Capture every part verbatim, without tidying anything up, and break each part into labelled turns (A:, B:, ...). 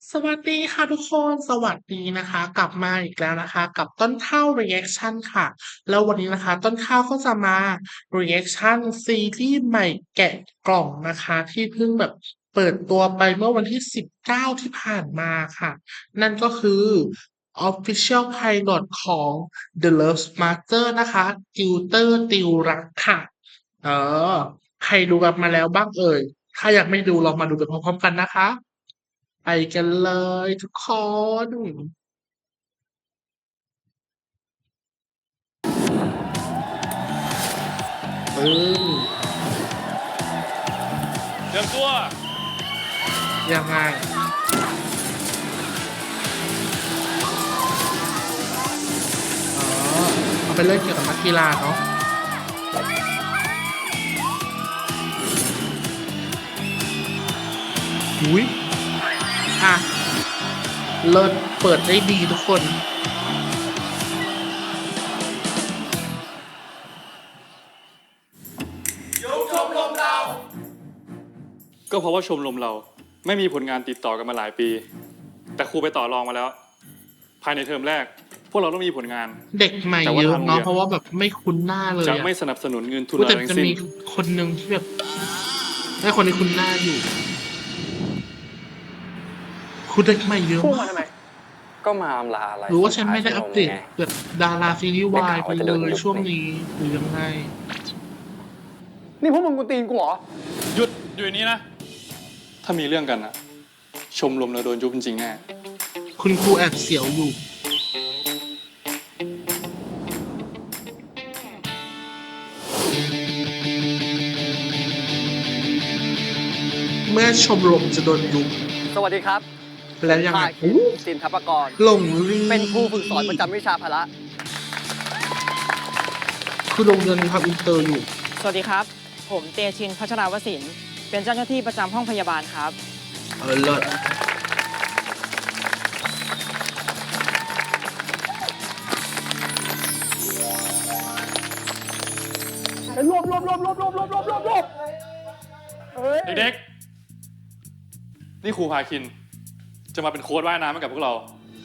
A: สวัสดีค่ะทุกคนสวัสดีนะคะกลับมาอีกแล้วนะคะกับต้นข้าว reaction ค่ะแล้ววันนี้นะคะต้นข้าวก็จะมา reaction ซีรีส์ใหม่แกะกล่องนะคะที่เพิ่งแบบเปิดตัวไปเมื่อวันที่สิบเก้าที่ผ่านมาค่ะนั่นก็คือ Official Pilot ของ The Love Master นะคะติวเตอร์ติวรักค่ะเออใครดูกันมาแล้วบ้างเอ่ยถ้ายังไม่ดูเรามาดูไปพร้อมๆกันนะคะ ไปกันเลยทุกคนปึ้ง
B: เตรียมตัว
A: ยังไงอ๋อเอาเป็นเรื่องเกี่ยวกับนักกีฬาเนาะอุ้ยอ่ะเลิศเปิดได้ดีทุกคน
B: ก็เพราะว่าชมรมเราไม่มีผลงานติดต่อกันมาหลายปี แต่ครูไปต่อรองมาแล้ว ภายในเทอมแรก พวกเราต้องมีผลงาน
A: เด็กใหม่เยอะเนาะเพราะว่าแบบไม่คุ้นหน้าเลย
B: จะ
A: อะ
B: ไม่สนับสนุนเงินทุน
A: อุ๊ย
B: อะไร
A: แต่
B: ทั้
A: จะ
B: งสิ้น
A: มีคนหนึ่งที่แบบให้คนนี้คุ้นหน้าอยู่ คุณเด็กใหม่เยอะ
C: พูด
A: มาม
C: าก ทำไม ก็มาอำลาอะไร
A: หรือว่าฉันไม่ได้อัปเดต
C: ไง
A: แบบดาราซีรีส์วายไป
C: ได้ข่าวว่าจะ
A: เล
C: โดน
A: ย
C: ยุบ
A: ช่วงนี้หรือยังไง
C: นี่พวกมึงกูตีนกูเหรอ
B: หยุดอยู่ในนี้นะ ถ้ามีเรื่องกันนะชมรมเราโดนยุบจริงๆแน่
A: คุณครูแอบเสียวอยู่ เมื่อชมรมจะโดนยุบ
C: สวัสดีครับ
A: แล้วยังไง
C: ภาคิน
A: อู้
C: สินทัพกร
A: หลงลี
C: เป็นครูฝึกสอนประจำวิชาพละ
A: คือโรงเรียนมีความอินเตอร์อยู่
D: สวัสดีครับ ผมเตชิน พัชราวสิน เป็นเจ้าหน้าที่ประจำห้องพยาบาลครับ
A: เออเลิศ
C: รวบรวบรวบรวบรวบรวบรวบรวบรวบเฮ้ย
B: เด็กๆ นี่ครูพาคิน จะมาเป็นโค้ชว่ายน้ำให้กับพวกเรา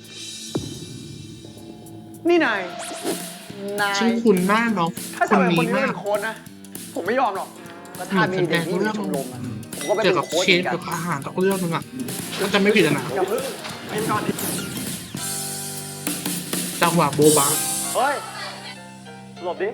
C: นี่นาย นาย
A: ชื่อคุณหน้าเนาะ
C: ถ้า
A: ค
C: จะ
A: น
C: เป็นคน
A: นี้
C: นี้
A: มา
C: เป็
A: ก
C: นโค้ชนะ ผมไม่ยอมหรอกแล้วถ้ามีเด็กนี่อยู่ชมรมอะผมก็ไป
A: เกี่
C: เป็
A: ยวน กับ
C: โค้ช
A: เช
C: เหมือนกัน
A: ฟกับอาหารกับเรื่องนึงอ่ะก็จะไม่ผิดอะนะ
C: อย่าเพิ่งเป็นก่อนดิ
A: จังหวะโบบะ
C: เฮ้ย หลบดิ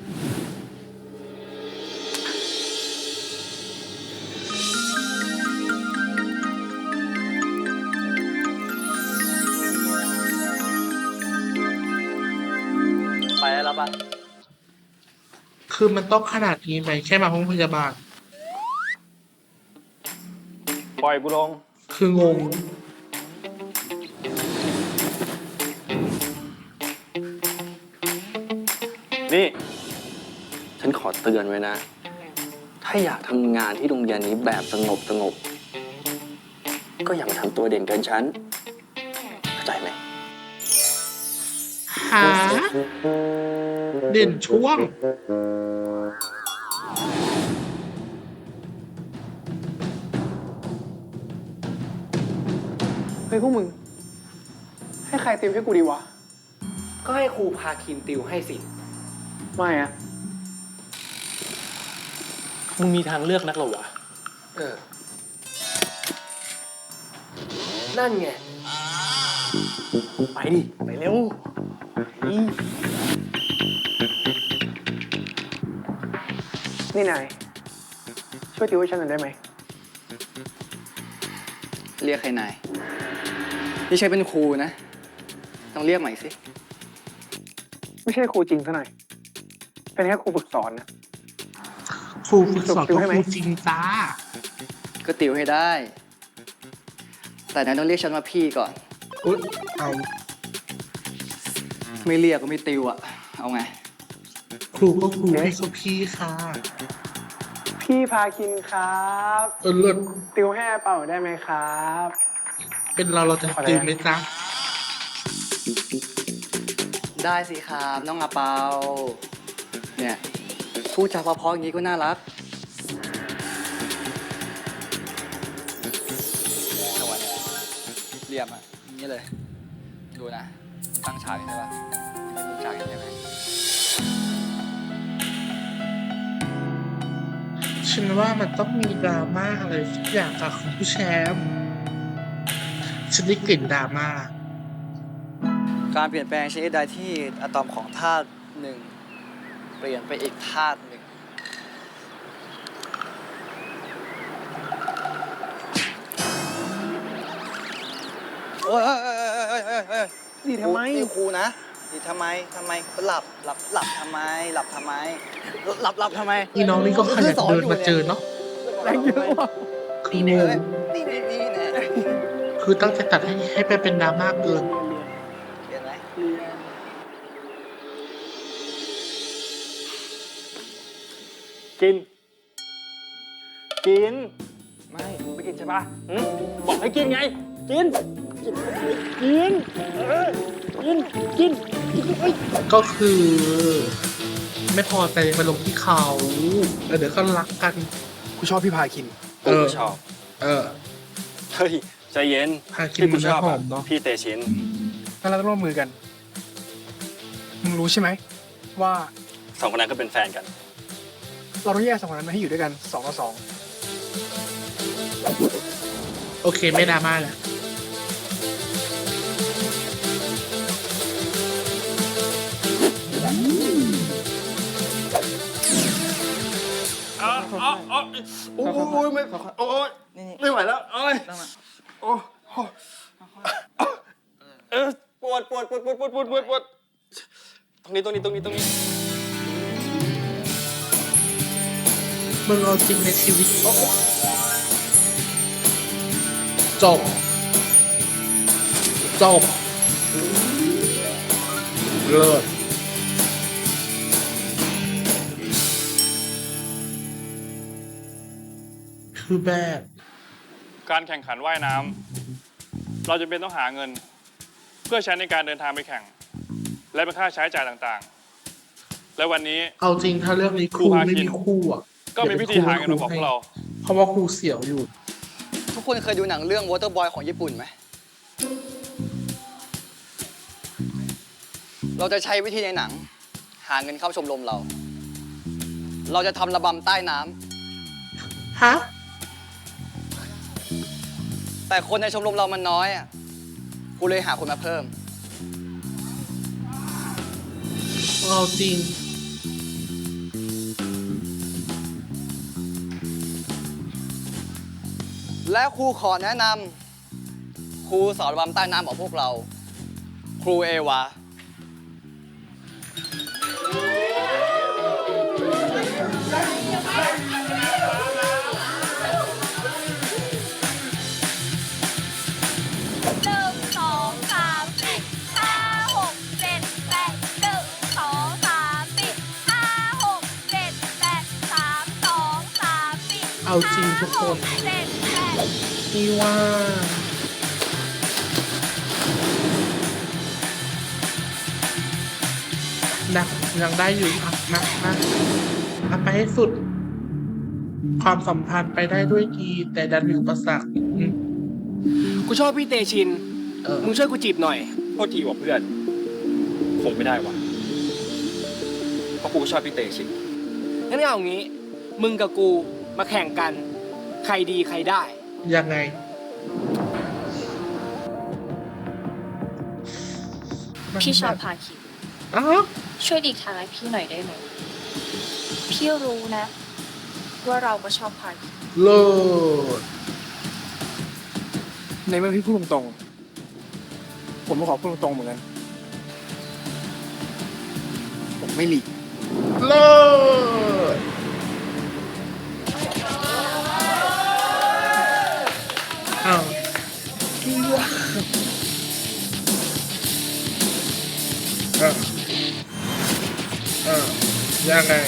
C: ไปแล้วปะ
A: คือมันต้องขนาดนี้ไหมแค่มาห้องพยาบาล
C: ปล่อยกูลง
A: คืองง
C: นี่ ฉันขอเตือนไว้นะ ถ้าอยากทำงานที่โรงเรียนนี้แบบสงบสงบ ก็อย่ามาทำตัวเด่นเกินฉัน เข้าใจไหม
A: หา เด่นช่วง
C: เฮ้ยพวกมึง ให้ใครติวให้กูดีวะ
E: ก็ให้ครูพาคินติวให้สิ
C: ไม่อะ
E: มึงมีทางเลือกนักเหรอวะ
C: เออ
E: นั่นไง
C: ไปดิ ไปเร็วอีนี่นาย ช่วยติวให้ฉันหน่อยได้ไหม
F: เรียกใครนายนี่ใช้เป็นครูนะ ต้องเรียกใหม่สิ
C: ไม่ใช่ครูจริงซะหน่อย เป็นแค่ครูฝึกสอนนะ
A: ครูฝึกสอน
C: ติว
A: ก็
C: ให้ไหม
A: ครูจริงจ้า
F: ก็ติวให้ได้ แต่นายต้องเรียกฉันว่าพี่ก่อน
A: อุ๊ยเอา
F: ไม่เรียกก็ไม่ติวอะเอาไง
A: ครูก็ครูพี่ก็พี่ค่ะ
C: พี่พาคินครับ
A: เออเลิศ
C: ติวให้อาเป่าได้ไหมครับ
A: เป็นเราเราจะติวไหมจ๊ะ
F: ได้สิครับน้องอาเปา เนี่ยพูดจาเพราะๆอย่างนี้ก็น่ารัก เรีรียมๆอ่ะอย่างนี้เลย ดูนะ ตั้งฉากใช่ปะมีมุมฉากใช่ไหม
A: ฉันว่ามันต้องมีดราม่าอะไรสักอย่างกับคุณผู้แชมป์ฉันได้กลิ่นดราม่า
F: การเปลี่ยนแปลงชนิดใดที่อะตอมของธาตุหนึ่งเปลี่ยนไปอีกธาตุหนึ่ง โอ้ยเอ้ยเอ้ยเอ้ยเอ้ยเอ้ย
E: ดีทำไม
F: นี่ครูนะนี่ทำไมทำไมหลับหลับหลับทำไม หลับทำไม หลับหลับทำไม
A: อีน้องนี่ก็ขยันเดินมาเจอเนาะ
E: แรงเยอะว่ะ
A: คือ
F: นี่
A: ง
F: นี่
A: ง
F: นี่นี่นี่นี่
A: คือตั้งใจตัดให้ให้ไปเป็นดราม่าเกิน
F: เห็นไหม
B: กิน กิน ไม่ไม่กินใช่ปะหึบอกให้กินไง กิน กิน กิน เออ กิน กิน
A: ก็คือ ไม่พอใจมาลงที่เขาแล้วเดี๋ยวก็รักกัน
E: กูชอบพี่พาคิน
A: เออ
C: ชอบ
A: เออ
C: เฮ้ย ใจเย็น
A: พาคิน
C: ที่กู
A: มัน
C: ชอบ
A: หอ
C: อะ
A: มเนอะ
C: พี่เตชิน
E: งั้นเราต้องร่วมมือกัน มึงรู้ใช่ไหม ว่า
C: สองคนนั้นก็เป็นแฟนกัน
E: เราต้องแยกสองคนนั้นมาให้อยู่ด้วยกันสองต่อสอง
A: โอเคไม่ดราม่าแล้ว
B: อ๋ออ๋ออ๋อโอ้ยไม่โอ้ย
F: นี่นี่
B: ไม่ไหวแล้วโอ้ย
F: ตั้งมา
B: โอ้โหเออปวดปวดปวดปวดปวดปวดปวดปวดตรงนี้ตรงนี้ตรงนี้ตรงนี้
A: มึงเอาจริงในชีวิตโอ้โหจบ จบ เลิศคือแบบ
B: การแข่งขันว่ายน้ำเราจะเป็นต้องหาเงิน เพื่อใช้ในการเดินทางไปแข่ง และเป็นค่าใช้จ่ายต่างๆ และวันนี้
A: เอาจริงถ้าเรื่องนี้ครู
B: ครูพา
A: ไม่
B: คิน
A: มีคู่อ่ะ
B: ก็มีวิธีหาเงินมาบอกพวกเรา
A: เพราะว่าครูเสียวอยู่
F: ทุกคนเคยดูหนังเรื่อง Waterboy ของญี่ปุ่นไหม เราจะใช้วิธีในหนัง หาเงินเข้าชมรมเรา เราจะทำระบำใต้น้ำ
A: ฮะ
F: แต่คนในชมรมเรามันน้อยอ่ะกูเลยหาคนมาเพิ่ม
A: เอาจริง
F: และครูขอแนะนำครูสอนระบำใต้น้ำของพวกเรา ครูเอวา
G: หนึ่งสองสามสี่ห้าหกเจ็ดแปดหนึ่งสองสามสี่ห้าหกเจ็ดแปดสามสองสามสี่
A: เอาจริงทุกคน
G: ห้าหกเจ็ดแปด
A: นี่ว่านักยังได้อยู่อ่ะนะนะทำไปให้สุด ความสัมพันธ์ไปได้ด้วยดี แต่ดันมีอุปสรรคอืม
E: กูชอบพี่เตชิน
A: เออ
E: มึงช่วยกูจีบหน่อย
C: โทษทีว่ะเพื่อน คงไม่ได้ว่ะ เพราะกูก็ชอบพี่เตชิน
E: งั้นเอางี้ มึงกับกูมาแข่งกัน ใครดีใครได้
A: ยังไง
H: พี่ชอบพาคิน
A: อ้าว
H: ช่วยดีกทางให้พี่หน่อยได้ไหม พี่รู้นะ ว่าเราก็ชอบพาคิน
A: เลิศ
E: ในเมื่อพี่พูดตรงๆ ผมก็ขอพูดตรงๆเหมือนกัน ผมไม่หลีก
A: เลิศอ้าวอ่ะอ่ะยังไง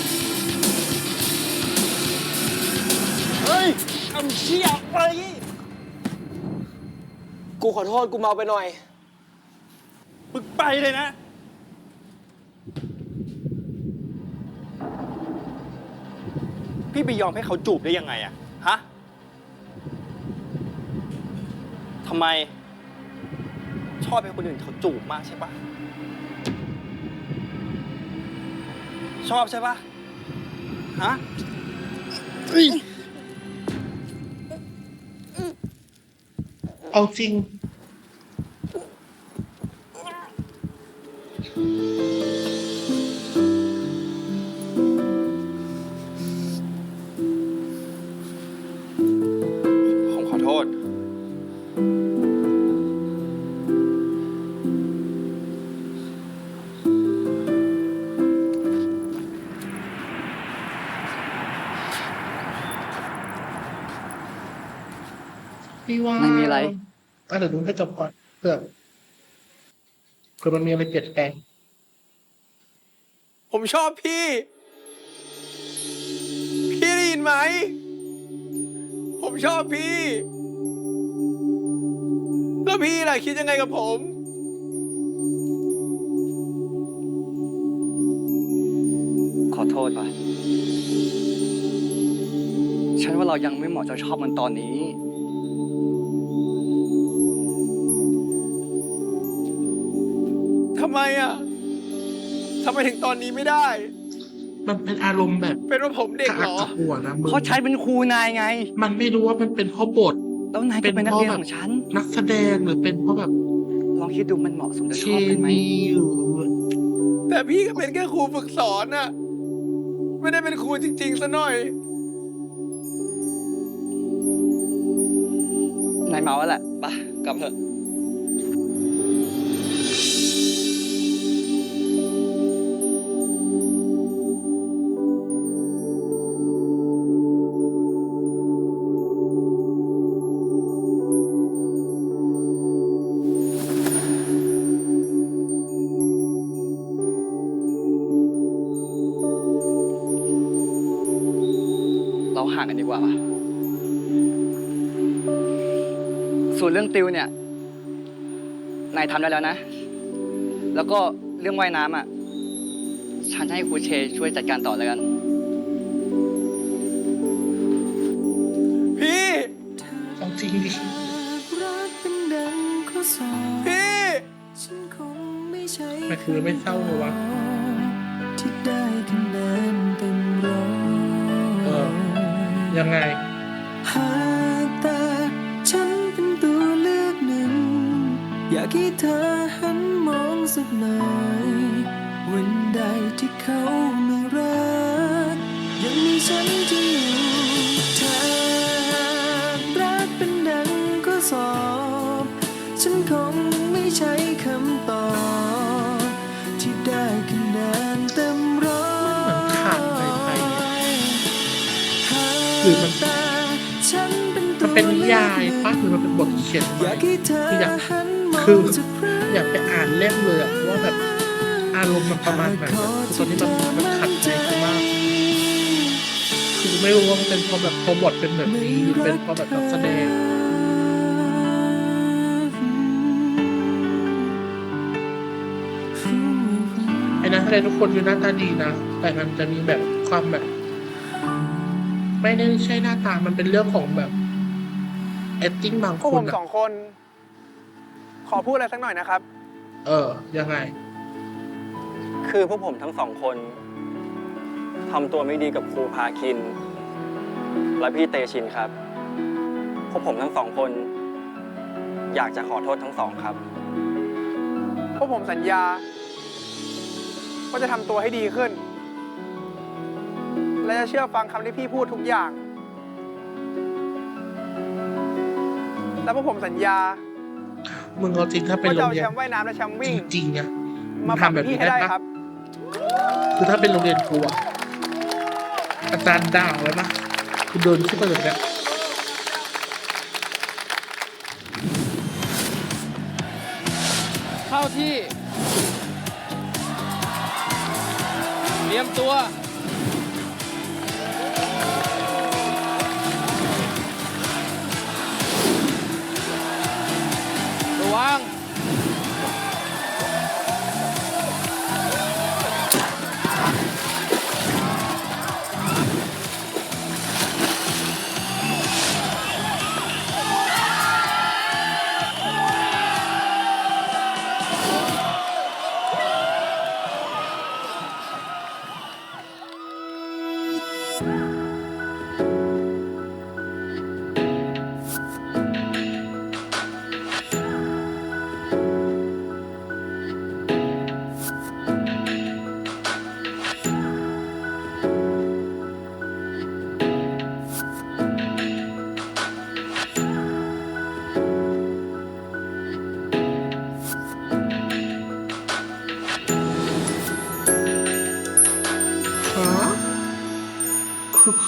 B: เฮ้ยทำเชี่ยอะไร
E: กูขอโทษกูเมาไปหน่อย
B: มึงไปเลยนะ
C: พี่ไปยอมให้เขาจูบได้ยังไงอะฮะทำไม ชอบให้คนอื่นเขาจูบมากใช่ปะชอบใช่ปะฮะ
A: เอาจริง
C: ผมขอโทษ
A: พี่ว่า
F: ไม่มีอะไร
A: อ่ะเดี๋ยวดูให้จบก่อนเผื่อเผื่อมันมีอะไรเปลี่ยนแปลง
E: ผมชอบพี่ พี่ได้ยินไหม ผมชอบพี่ แล้วพี่ล่ะคิดยังไงกับผม
F: ขอโทษป่ะ ฉันว่าเรายังไม่เหมาะจะชอบมันตอนนี้
E: ทำไมอ่ะ ทำไมถึงตอนนี้ไม่ได้
A: มันเป็นอารมณ์แบบ
E: เป็นว่าผมเด็ก
A: กระ
E: เห
A: อั
E: ร
A: ก
E: อ
A: กระอ่วนนะมึง
F: เพราะฉันเป็นครูนายไง
A: มันไม่รู้ว่ามันเป็นเพราะบท
F: แล้วนายก็เป็นนักเรียนของฉัน
A: นักแสดงหรือเป็นเพราะแบบ
F: ลองคิดดูมันเหมาะสมจะ
A: เค
F: ชอบกันไหม
A: มีหรือ
E: แต่พี่ก็เป็นแค่ครูฝึกสอนน่ะ ไม่ได้เป็นครูจริงๆซะหน่อย
F: นายเมาแล้วแหละไปกลับเถอะ เราห่างกันดีกว่าป่ะ ส่วนเรื่องติวเนี่ย นายทำได้แล้วนะ แล้วก็เรื่องว่ายน้ำอ่ะ ฉันจะให้ครูเชช่วยจัดการต่อแล้วกัน
E: พี่
A: เอาจริงดิ
E: พี่
A: มันคือไม่เศร้าเลยวะเออ ยังไง
I: หากแต่ฉันเป็นตัวเลือกหนึ่ง อยากให้เธอหันมองสักหน่อยวันใดที่เขาไม่รัก ยังมีฉันที่อยู่ถ้ารักเป็นดังข้อสอบ ฉันคงไม่ใช้คำตอบที่ได้คะแนนเต็มร้อย
A: เหมือนขาดไปไปหรือมัน มันเป็นนิยายปะหรือมันเป็นบทเขียนใหม่คืออยากคืออยากไปอ่านเล่มเลยอะว่าแบบอารมณ์มันประมาณไหนอะคือตอนนี้มันมันขัดใจกูมาก คือไม่รู้ว่ามันเป็นเพราะแบบเพราะบทเป็นแบบนี้หรือเป็นเพราะแบบนักแสดงไอ้นักแสดงทุกคนคือหน้าตาดีนะแต่มันจะมีแบบความแบบ ไม่ได้ใช่หน้าตามันเป็นเรื่องของแบบ acting บาง
E: พวก
A: ค
E: ผ
A: น
E: ม
A: อะ
E: สองคน ขอพูดอะไรสักหน่อยนะครับ
A: เออ ยังไง
C: คือพวกผมทั้งสองคนทำตัวไม่ดีกับครูพาคิน และพี่เตชินครับ พวกผมทั้งสองคน อยากจะขอโทษทั้งสองครับ
E: พวกผมสัญญาว่าจะทำตัวให้ดีขึ้น และจะเชื่อฟังคำที่พี่พูดทุกอย่าง และพวกผมสัญญา
A: มึงเอาจริงถ้าเป็น
E: ว่า
A: โร
E: จะ
A: ง
E: เอา
A: เรีย
E: แช
A: น
E: มป์ว่ายน้ำและแชมป์
A: จ
E: วิ่ง
A: ริงๆอะมึ
E: มาง ปรับ
A: ทำแบบ
E: พี่
A: นี้
E: ให้
A: ได้
E: ได้
A: ปะ
E: ครับ
A: คือถ้าเป็นโรงเรียนกูอะอาจารย์ด่าแล้วนะกูเดินขึ้นไปแบบเนี้ย
E: เข้าที่ เตรียมตัว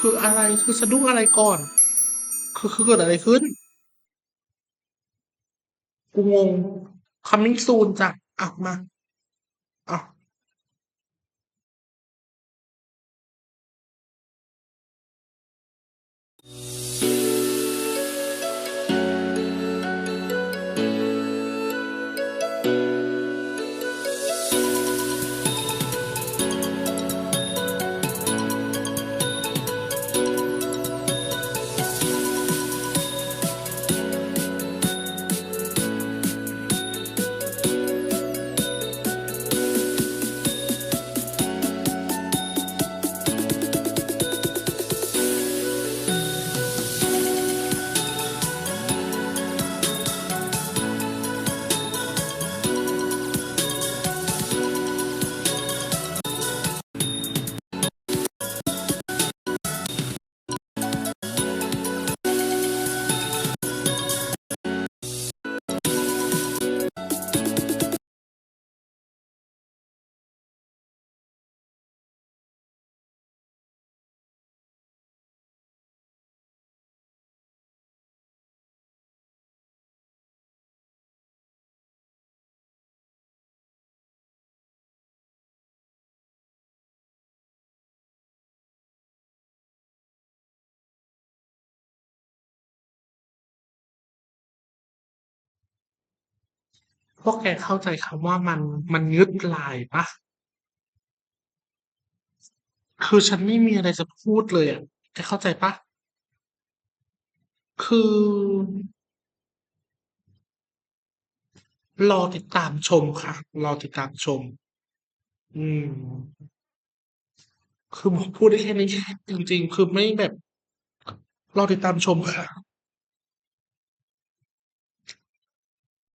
A: คืออะไรคือสะดุ้งอะไรก่อน คือคือเกิดอะไรขึ้น กูงง coming soon จ้ะอ่ะมาอ่ะพวกแกเข้าใจคำว่ามันมันงึดลายปะ คือฉันไม่มีอะไรจะพูดเลยอ่ะแกเข้าใจปะ คือ รอติดตามชมค่ะ รอติดตามชม อืม คือพูดได้แค่นี้จริงๆ คือไม่แบบ รอติดตามชมค่ะ